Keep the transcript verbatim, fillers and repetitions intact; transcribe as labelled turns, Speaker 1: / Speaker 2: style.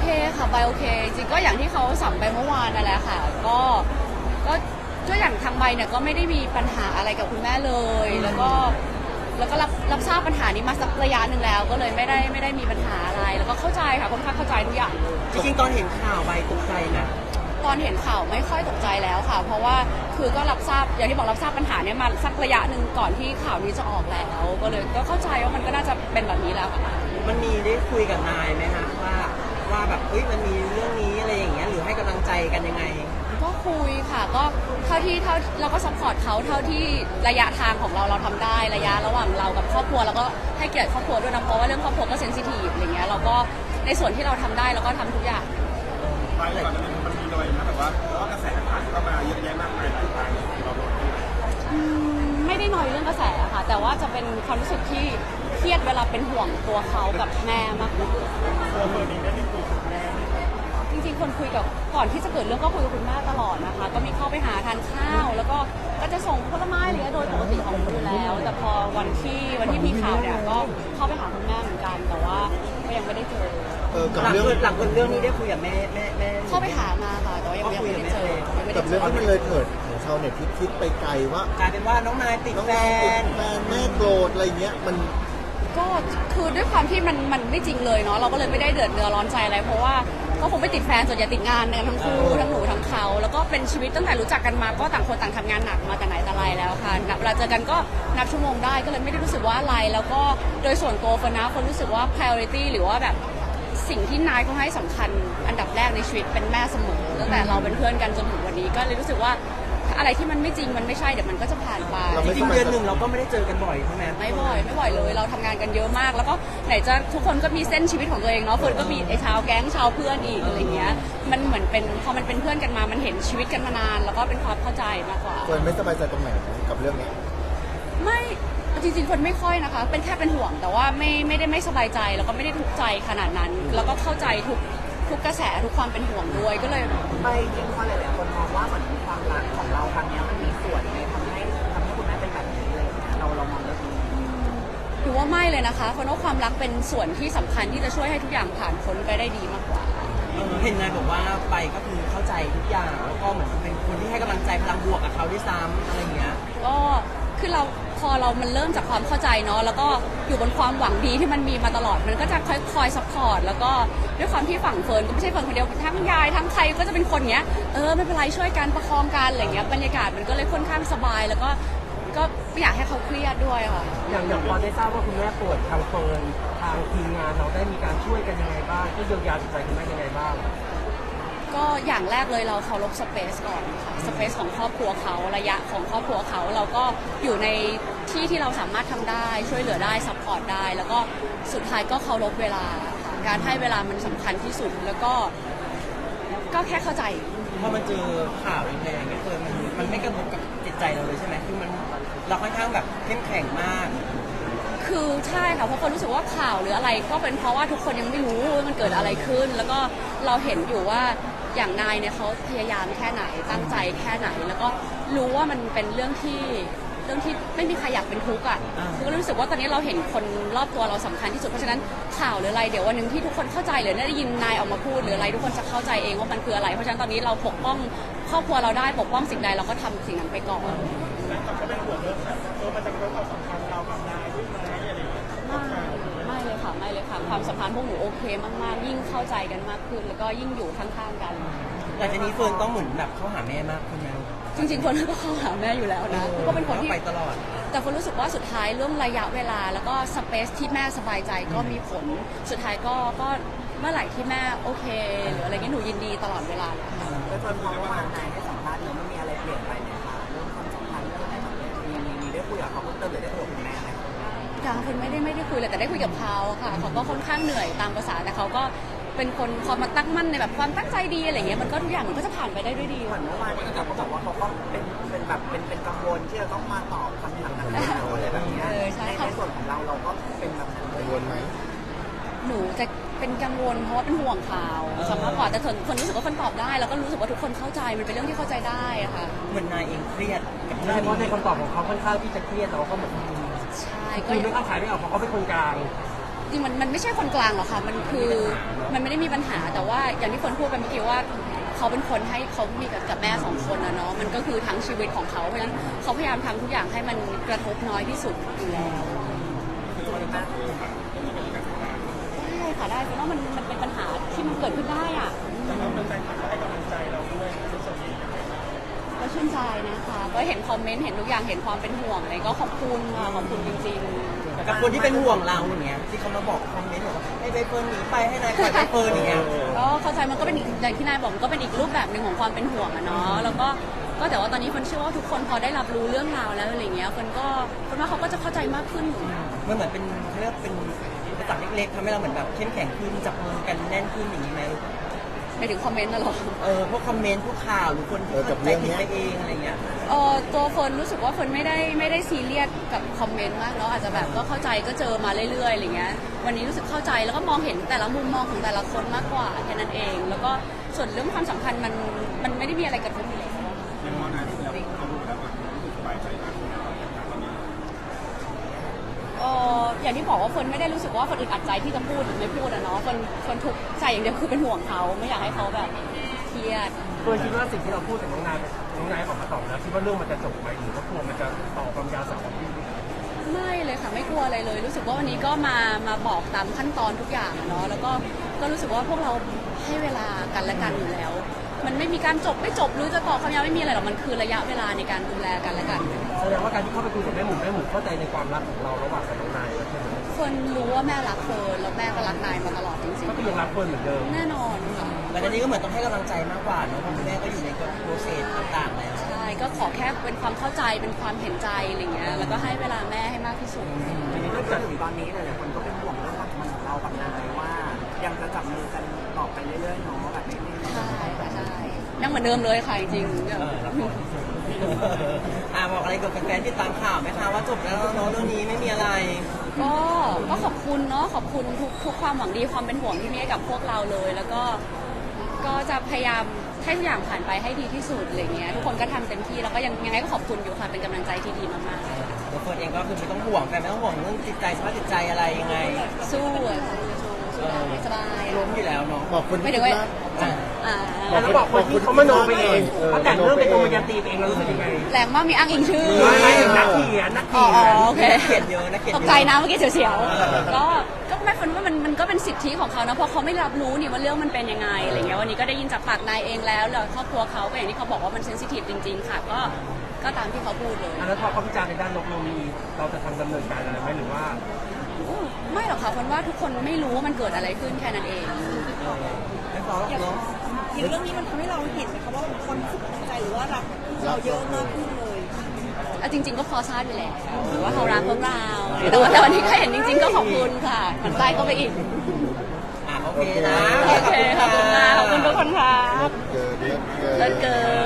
Speaker 1: เคค่ะใบโอเคจริงก็อย่างที่เขาสัมไปเมื่อวานนั่นแหละค่ะก็ก็ก็อย่างทางใบเนี่ยก็ไม่ได้มีปัญหาอะไรกับคุณแม่เลยแล้วก็แล้วก็รับรับทราบปัญหานี้มาสักระยะหนึ่งแล้วก็เลยไม่ได้ไม่ได้มีปัญหาอะไรแล้วก็เข้าใจค่ะค่อนข้างเข้าใจทุกอย่างเลย
Speaker 2: จริงๆตอนเห็นข่าวใบตกใจนะ
Speaker 1: ตอนเห็นข่าวไม่ค่อยตกใจแล้วค่ะเพราะว่าคือก็รับทราบอย่างที่บอกรับทราบปัญหาเนี้ยมาสักระยะหนึ่งก่อนที่ข่าวนี้จะออกแล้วก็เลยก็เข้าใจว่ามันก็น่าจะเป็นแบบนี้แล้วค่ะ
Speaker 2: มันมีได้คุยกับนายไหมฮะว่าว่าแบบเอ้ยมันมีเรื่องนี้อะไรอย่างเงี้ยหรือให้กำลังใจกันยังไง
Speaker 1: ก็คุยค่ะก็เท่าที่เท่าเราก็ซัพพอร์ตเขาเท่าที่ระยะทางของเราเราทำได้ระยะระหว่างเรากับครอบครัวแล้วก็ให้เกียรติครอบครัวด้วยนะเพราะว่าเรื่องครอบครัวก็เซนซิทีฟอะไรเงี้ยเราก็ในส่วนที่เราทำได้เราก็ทำทุกอย่าง
Speaker 3: ไปก่อนมันมันมีน้อยนะแบบว่าเพราะว่ากระแสผ่านเข้ามาเยอะแยะมากมายหลายทางเราโดน
Speaker 1: อืมไม่ได้น้อยเรื่องกระแสค่ะแต่ว่าจะเป็นความรู้สึกที่เครียดเวลาเป็นห่วงตัวเขากับแม่มากกว่า
Speaker 3: ตัวเฟิร์นเองได้คุยกับแม่
Speaker 1: จริงๆคนคุยกับก่อนที่จะเกิดเรื่องก็คุยกับคุณแม่ตลอดนะคะก็มีเข้าไปหาทานข้าวแล้วก็ก็จะส่งผลไม้อะไรโดยปกติของหนูอยู่แล้วแต่พอวันที่วันที่มีข่าวเนี่ยก็เข้าไปหาคุณแม่เหมือนกันแต่ว่าก็ยังไม่ได้เจอ
Speaker 4: เออกับ
Speaker 2: หลัง
Speaker 4: เรื่อง
Speaker 2: เกิดหลังเกิดเรื่องนี้ได้คุยกับแม่แม่แม่
Speaker 1: เข้าไปหามาค่ะแต่ว่ายังไม่ได้เจอยังไม่ได้
Speaker 4: กับ
Speaker 1: เจ
Speaker 4: เรื่อง
Speaker 1: อ
Speaker 4: ที่มันเลยเถิดของชาวเน็ตที่คิดไปไกลว่าก
Speaker 2: ลายเป็นว่าน้องนายติด
Speaker 4: น้อง
Speaker 2: แฟ
Speaker 4: นายติด
Speaker 2: น
Speaker 4: แฟนแม่โกรธอะไรเงี้ยมัน
Speaker 1: ก็คือด้วยความที่มันมันไม่จริงเลยเนาะเราก็เลยไม่ได้เดือดเนื้อร้อนใจอะไรเพราะว่าก็คงไม่ติดแฟนส่วนใหญ่ติดงานกันทั้งคู่ทั้งหนูทั้งเขาแล้วก็เป็นชีวิตตั้งแต่รู้จักกันมาก็ต่างคนต่างทำงานหนักมาแต่ไหนแต่ไรแล้วค่ะเวลาเจอกันก็นับชั่วโมงได้ก็เลยไม่ได้รู้สึกว่าอะไรแล้วก็โดยส่วนตัวคนนะคนรู้สึกว่า priority หรือว่าแบบสิ่งที่นายเขาให้สำคัญอันดับแรกในชีวิตเป็นแม่เสมอตั้งแต่เราเป็นเพื่อนกันจนถึงวันนี้ก็เลยรู้สึกว่าอะไรที่มันไม่จริงมันไม่ใช่เดี๋ยวมันก็จะผ่านไป
Speaker 2: จริงๆเดือนหนึ่งเราก็ไม่ได้เจอกันบ่อยใช่ไหม
Speaker 1: ไม่บ่อยไม่บ่อยเลยเราทำงานกันเยอะมากแล้วก็ไหนจะทุกคนก็มีเส้นชีวิตของตัวเองเนาะเฟิร์นก็มีไอ้ชาวแก๊งชาวเพื่อนอีกอะไรเงี้ยมันเหมือนเป็นพอมันเป็นเพื่อนกันมามันเห็นชีวิตกันมานานแล้วก็เป็นความเข้าใจมากกว่า
Speaker 4: เฟิร์นไม่สบายใจตรงไหนกับเรื่องนี้
Speaker 1: ไม่จริงๆคนไม่ค่อยนะคะเป็นแค่เป็นห่วงแต่ว่าไม่ไม่ได้ไม่สบายใจแล้วก็ไม่ได้ทุกข์ใจขนาดนั้น แล้วก็เข้าใจทุกทุกกระแสทุกความเป็นห่วงด้วยก็เลย
Speaker 2: ไปจริงๆหลายๆคนมองว่าเหมือนความรักของเราครั้งนี้มันมีส่วนในทำให้ทำให้คุณแม่เป็นแบบนี้เลยเราเรามองเรื่องนี้
Speaker 1: หรือว่าไม่เลยนะคะเพราะว่าความรักเป็นส่วนที่สำคัญที่จะช่วยให้ทุกอย่างผ่านพ้นไปได้ดีมากกว่า
Speaker 2: เห็นนายบอกว่าไปก็คือเข้าใจทุกอย่างแล้วก็เหมือนเป็นคนที่ให้กำลังใจพลังบวกกับเขาด้วยซ้ำอะไรเงี้ย
Speaker 1: ก็คือเราพอเรามันเริ่มจากความเข้าใจเนาะแล้วก็อยู่บนความหวังดีที่มันมีมาตลอดมันก็จะคอยคอยซัพพอร์ตแล้วก็ด้วยความที่ฝั่งเฟิร์นก็ไม่ใช่เฟิร์นคนเดียวทั้งยายทั้งใครก็จะเป็นคนเนี้ยเออไม่เป็นไรช่วยกันประคองกันอะไรเงี้ยบรรยากาศมันก็เลยค่อนข้างสบายแล้วก็ก็ไม่อยากให้เขาเครียดด้วยค่ะ
Speaker 2: อย่างอย่างพอได้ทราบว่าคุณแม่ป่วยทางเฟิร์นทางทีมงานเราได้มีการช่วยกันยังไงบ้างช่วยเยียวยาจิตใจคุณแม่ยังไงบ้าง
Speaker 1: ก็อย่างแรกเลยเราเคารพสเปซก่อนค่ะสเปซของครอบครัวเขาระยะของครอบครัวเขาเราก็อยู่ในที่ที่เราสามารถทำได้ช่วยเหลือได้ซัพพอร์ตได้แล้วก็สุดท้ายก็เคารพเวลาค่ะการให้เวลามันสำคัญที่สุดแล้วก็ก็แค่เข้าใจ
Speaker 2: พอมันเจอข่าวแรงๆเนี่ยเฟิร์นมันมันไม่กระทบกับจิตใจเราเลยใช่ไหมคือมันเราค่อนข้างแบบเข้มแข็งมาก
Speaker 1: คือใช่ค่ะเพราะคนรู้สึกว่าข่าวหรืออะไรก็เป็นเพราะว่าทุกคนยังไม่รู้ว่ามันเกิดอะไรขึ้นแล้วก็เราเห็นอยู่ว่าอย่างนายเนี่ยเขาพยายามแค่ไหนตั้งใจแค่ไหนแล้วก็รู้ว่ามันเป็นเรื่องที่เรื่องที่ไม่มีใครอยากเป็นทุกข์อ่ะก็รู้สึกว่าตอนนี้เราเห็นคนรอบตัวเราสำคัญที่สุดเพราะฉะนั้นข่าวหรืออะไรเดี๋ยววันหนึ่งที่ทุกคนเข้าใจหรือได้ยินนายออกมาพูดหรืออะไรทุกคนจะเข้าใจเองว่ามันคืออะไรเพราะฉะนั้นตอนนี้เราปกป้องครอบครัวเราได้ปกป้องสิ่งใดเราก็ทำสิ่งนั้นไปก่อน
Speaker 3: แล้วเขาเป็นห่วงเรื่องแบบเออมันจะกระทบความสัมพันธ์เรากับนายด้วยไหมอะไรอย่างเงี้ย
Speaker 1: ไม่เลยค่ะไม่เลยค่ะความสัมพันธ์พวกหนูโอเคมากๆยิ่งเข้าใจกันมากขึ้นแล้วก็ยิ่งอยู่ข้างๆกัน
Speaker 2: หลังจากนี้เฟิร์นต้องเหมือนแบบเข้าหาแม่มากขึ้นไหม
Speaker 1: จริงๆคนก็เข้าหาแม่อยู่แล้วนะก็เป็นคนที่
Speaker 2: ไปตลอด
Speaker 1: แต่คนรู้สึกว่าสุดท้ายเรื่องระยะเวลาแล้วก็สเปซที่แม่สบายใจก็มีผลสุดท้ายก็ก็เมื่อไหร่ที่แม่โอเคหรืออะไรเงี้ยหนูยินดีตลอดเวลาเลย
Speaker 2: แล้วจนพอว่านายให้สัมภาษณ์แล้วมันมีอะไรเปลี่ยนไปไหมคะเรื่องความสัมพันธ์เรื่องอะไรแบบนี้มีมีได้คุยกับเขาเพิ่มเติมหรือได้คุยกับคุณแม่ไหม
Speaker 1: ยังคุณไม่ได้ไม่ได้คุยเลยแต่ได้คุยกับเขาค่ะเขาก็ค่อนข้างเหนื่อยตามภาษาแต่เขาก็เป็นคนความมาตั้งมั่นในแบบความตั้งใจดีอะไรเงี้ยมันก็ทุกอย่างมันก็จะผ่านไปได้ด้วยดี
Speaker 2: เหมือนเมื่อวานนี้เขาบอกว่าเขาก็เป็นเป็นแบบเป็นเป็นกังวลที่จะต้องมาตอบคำถามต่างๆอะไรแบบนี้ในส่วนของเราเราก็เป็นแบบ
Speaker 4: กังวลไหม
Speaker 1: หนูจะเป็นกังวลเพราะว่าเป็นห่วงข่าวสำหรับก่อนแต่คนรู้สึกว่าคนตอบได้แล้วก็รู้สึกว่าทุกคนเข้าใจมันเป็นเรื่องที่เข้าใจได้อะค่ะ
Speaker 2: เหมือนนายเองเครียดกับเรื่องเพราะในคำตอบของเขาค่อนข้างที่จะเครียดแต่ว่าก็เหมือน
Speaker 1: ใช่
Speaker 2: คือไม่เข้าขายไม่ออกเพราะเขาเป็นคนกลาง
Speaker 1: จริงๆมันมันไม่ใช่คนกลางหรอกค่ะมันคือมันไม่ได้มีปัญหาแต่ว่าอย่างที่คนพูดไปเมื่อกี้ว่าเขาเป็นคนให้เขามีกับกับแม่สองคนนะเนาะมันก็คือทั้งชีวิตของเขาเพราะฉะนั้นเขาพยายามทำทุกอย่างให้มันกระทบน้อยที่สุดอยู่แล้ว ได้ค่ะได้เพราะว่ามันมันเป็นปัญหาที่มันเกิดขึ้นได้อ่ะก็ชื่นใจนะคะก็เห็นคอมเมนต์เห็นทุกอย่างเห็นความเป็นห่วงอะไรก็ขอบคุณค่ะขอบคุณจริง
Speaker 5: กับคนที่เป็นห่วงเราอย่างเงี้ยที่เขามาบอกคอมเมนต์บอกว่าให้ใบเฟิร์นหนีไปให้นายปล่อยใบเฟิร์นอย่างเงี้ย
Speaker 1: ๆก็เข้าใจมันก็เป็นอีกอย่างที่นายบอกมันก็เป็นอีกรูปแบบหนึ่งของความเป็นห่วงอะเนาะแล้วก็ก็แต่ว่าตอนนี้คนเชื่อว่าทุกคนพอได้รับรู้เรื่องราวแล้วอะไรเงี้ยคนก็คนว่าเขาก็จะเข้าใจมากขึ้น
Speaker 5: มันเหมือนเป็นเขาเรียกว่าเป็นอุปสรรคเล็กๆทำให้เราเหมือนแบบเข้มแข็งขึ้นจับมือกันแน่นขึ้นอย่างนี้ไหม
Speaker 1: ไปถึงคอมเมนต์น่ะหรอ
Speaker 5: เออพวกคอมเมนต์พวกข่าวหรือคนที่
Speaker 4: เออกั
Speaker 5: เข้า
Speaker 4: บ
Speaker 5: ใจ
Speaker 4: เรื่อง
Speaker 5: ผิด
Speaker 4: เนี้ย
Speaker 5: ไปเองอะไรเงี้ย
Speaker 1: เออตัวเฟิร์นรู้สึกว่าเฟิร์นไม่ได้ไม่ได้ซีเรียสกับคอมเมนต์มากเนาะอาจจะแบบก็เข้าใจก็เจอมาเรื่อยๆอะไรเงี้ยวันนี้รู้สึกเข้าใจแล้วก็มองเห็นแต่ละมุมมองของแต่ละคนมากกว่าแค่นั้นเอง แล้วก็ส่วนเรื่องความสัมพันธ์มันมันไม่ได้มีอะไรกระทบอยู่แล้ว
Speaker 3: ในมองนายที่เราเขาดูแล้วมันรู้สึกสบายใจมากขึ้นตอนนี้
Speaker 1: เอออย่างที่บอกว่าเฟิร์นไม่ได้รู้สึกว่าเฟิร์นอึดอัดใจที่จะพูดหรือไม่พูดอะเนาะเฟิร์นเฟิร์นทุกข์ใจอย่างเดียวคือเป็นห่วงเขาไม่อยากให้เขาแบบเครียด
Speaker 6: เฟิร์นคิดว่าสิ่งที่เราพูดกับน้องนายน้องนายออกมาตอบแล้วคิดว่าเรื่องมันจะจบไหมหรือว่ากลัวมันจะต่อความยาวสาวของพี่
Speaker 1: ไม่เลยค่ะไม่กลัวอะไรเลย รู้สึกว่าวันนี้ก็มามาบอกตามขั้นตอนทุกอย่างอะเนาะแล้วก็ก็รู้สึกว่าพวกเราให้เวลากันและกันอยู่แล้ว มันไม่มีการจบไม่จบหรือจะต่อความยาวไม่มีอะไรหรอกมันคือระยะเวลาในการดูแลกันและกัน
Speaker 6: แสดงว่าการที่เข้าไปคุยกับแม่หมูแม่หมูเข้าใจในความรักของเราระหว่างกับน้องนายแล้วใช่ไหม
Speaker 1: เฟิร์นรู้ว่าแม่รักเฟิร์นแล้วแม่ก็รักนายมาตลอดจริง
Speaker 6: ก็คือยังรักเฟิร์นเหมือนเดิม
Speaker 1: ๆแน่นอนค่ะ
Speaker 5: แต่ทีนี้ก็เหมือนต้องให้กำลังใจมากกว่าเนอะเพราะคุณแม่ก็อยู่ในโปรเซสต่างๆแล้ว
Speaker 1: ใช่ก็ขอแค่เป็นความเข้าใจเป็นความเห็นใจอะไรเงี้ยแล้วก็ให้เวลาแม่ให้มากที่สุด
Speaker 2: ทีนี้จนถึงตอนนี้หลายๆคนก็เป็นห่วงเรื่องความสัมพันธ์ของเรากับนายว่า ยังจะจับมือกันต่อไปเรื่อยๆเนาะแบบนี้
Speaker 1: ใช่ค่ะใช่ยังเหมือนเดิมเลยค่ะจริงๆ
Speaker 5: เอออ่าบอกอะไรกับแฟนๆที่ตามข่าวไหมคะว่าจบแล้วเนอะเรื่องนี้ไม่มีอะไร
Speaker 1: ก็ก็ขอบคุณเนาะขอบคุณทุกทุกความหวังดีความเป็นห่วงที่มีให้กับพวกเราเลย แล้วก็ก็จะพยายามให้ทุกอย่างผ่านไปให้ดีที่สุดอะไรเงี้ยทุกคนก็ทำเต็มที่แล้วก็ยังยังไงก็ขอบคุณอยู่ค่ะเป็นกำลังใจที่ดีมาก
Speaker 5: ตัวเฟิร์นเองก็คือไม่ต้องห่วงแฟนไม่ต้องห่วงเรื่องจิตใจสภาพจิตใจอะไรยังไง
Speaker 1: ๆสู้อะสู้สู้สู้ได้สบาย
Speaker 5: ล้มอยู่แล้วเนาะ
Speaker 4: บอกคน
Speaker 1: ไม่
Speaker 4: ที่
Speaker 1: ถึงว่า
Speaker 4: รัก
Speaker 5: อ่ะ
Speaker 1: อ่า
Speaker 6: แล้วบอกคนที่เขามโนไปเองเขาแต่งเรื่องเป็นโมยันตีไปเองเรารู้สึกยังไง
Speaker 1: แรงมากมีอ้างอิงชื่อ
Speaker 6: ไม่ไม่นักเขียนนัก
Speaker 1: อ๋อ
Speaker 6: เขียน
Speaker 1: โอเค
Speaker 5: นักเขียนเยอะนักเขียน
Speaker 1: ต
Speaker 5: เย
Speaker 1: ก
Speaker 5: อะ
Speaker 1: ใจนะเมื่อกี้เฉียวๆก็ก็ไม่ฟันว่ามันมันก็เป็นสิทธิของเขานะเพราะเขาไม่รับรู้นี่ว่าเรื่องมันเป็นยังไงอะไรเงี้ยวันนี้ก็ได้ยินจากปากนายเองแล้วแล้วครอบครัวเขาก็อย่างที่เขาบอกว่ามันเซนซิทีฟจริงๆค่ะก็ก็ตามที่เขาพูดเลย
Speaker 6: อันนั้นพอเขาพิจารณาในด้านลบเรามีเราจะทำดำเนินการอะไรไหมหรือว่า
Speaker 1: อู้ไม่หรอกค่ะคนว่าทุกคนไม่รู้ว่ามันเกิดอะไรขึ้นแค่นั้นเอง
Speaker 5: ไม่พอหรอกเนาะ
Speaker 7: อย่างเรื่องนี้มันทำให้เราเห็นไหมคะว่าคนสุขใจหรือว่ารักเราเยอะมากขึ้นเลย
Speaker 1: อ่ะจริง ๆ ก็พอทราบอยู่แล้วว่าเขารักพวกเราแต่ว่าแต่วันนี้ก็เห็นจริง ๆ ก็ขอบคุณค่ะมันใจก็ไปอีก
Speaker 5: อ่ะโอเคนะ
Speaker 1: โอเคขอบคุณมากขอบคุณทุกคนค่ะ
Speaker 4: เกิดเยอะเกิน
Speaker 1: เลิศเกิน